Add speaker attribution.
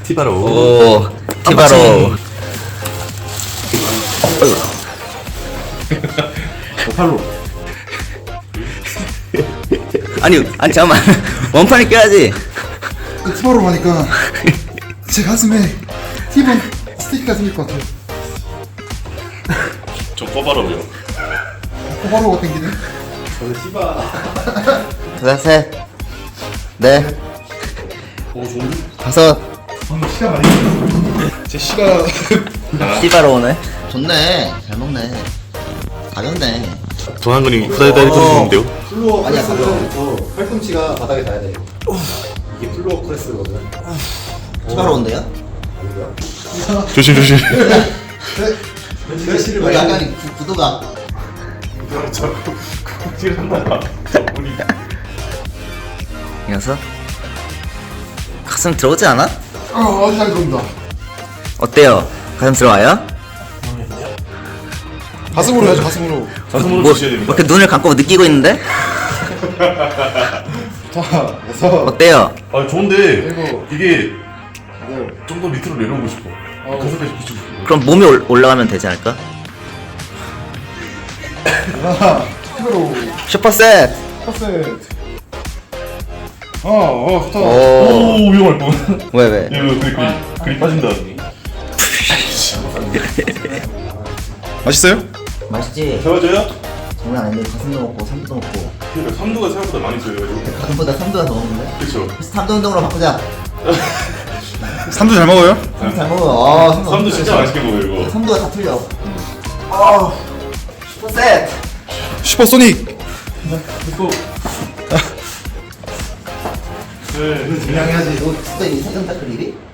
Speaker 1: 티바로.
Speaker 2: 오, 티바로.
Speaker 1: 팔로.
Speaker 2: 아니 잠깐만. 원판을 껴야지.
Speaker 3: 티바로 하니까 제 가슴에 티본 스테이크가 생길 것 같아요.
Speaker 1: 좀 꺼바로요.
Speaker 3: 호바로가 땡기네.
Speaker 1: 저는 티바.
Speaker 2: 둘, 셋, 넷,
Speaker 1: 오 좋은데?
Speaker 2: 다섯.
Speaker 3: 방금 시간 많이 걸렸어. 제 시가
Speaker 2: 티바로 오네. 좋네. 잘 먹네. 가볍네.
Speaker 1: 돈 한 근이 후다다리 좋은데요?
Speaker 4: 플로어
Speaker 3: 아니야,
Speaker 4: 프레스부터 팔꿈치가 바닥에 닿아야 돼요. 이게 플로어 프레스거든.
Speaker 2: 티바로 온대요?
Speaker 1: 조심 조심.
Speaker 4: 실을
Speaker 2: 여기 약간 구도가.
Speaker 1: 찔한다. 우리.
Speaker 2: 이어서 가슴 들어오지 않아?
Speaker 3: 아주 잘 들어온다.
Speaker 2: 어때요? 가슴 들어와요?
Speaker 3: 가슴으로 해야죠, 가슴으로.
Speaker 1: 가슴으로
Speaker 2: 뭐
Speaker 1: 주셔야 됩니다.
Speaker 2: 이렇게 눈을 감고 느끼고 있는데?
Speaker 3: 자, 그래서
Speaker 2: 어때요?
Speaker 1: 아 좋은데
Speaker 3: 이거.
Speaker 1: 이게
Speaker 3: 네.
Speaker 1: 좀 더 밑으로 내려오고 싶어. 가슴까지 비추고 싶어.
Speaker 2: 그럼 몸이 올라가면 되지 않을까?
Speaker 3: 하나, 티바로
Speaker 2: 슈퍼셋.
Speaker 3: 퍼센트. 좋다.
Speaker 2: 오.
Speaker 1: 오 위험할 뻔.
Speaker 2: 왜?
Speaker 1: 이거 그리 빠진다.
Speaker 3: 맛있어요?
Speaker 2: 맛있지?
Speaker 1: 세워줘요?
Speaker 2: 장난 아닌데 가슴도 먹고 삼도 먹고
Speaker 1: 그러니까 삼두가 생각보다 많이 써요.
Speaker 2: 가슴보다 삼도가 더 먹는데?
Speaker 1: 그렇죠.
Speaker 2: 삼도 운동으로 바꾸자.
Speaker 3: 삼도 잘 먹어요?
Speaker 2: 삼도 잘 먹어.
Speaker 1: 삼두 진짜 맛있게 먹어요 이거.
Speaker 2: 삼도가 다 틀려. 슈퍼셋.
Speaker 3: 슈퍼소닉.
Speaker 1: 이거. 네.
Speaker 2: 그냥 해야지. 너 진짜 이 사전 닦을 일이?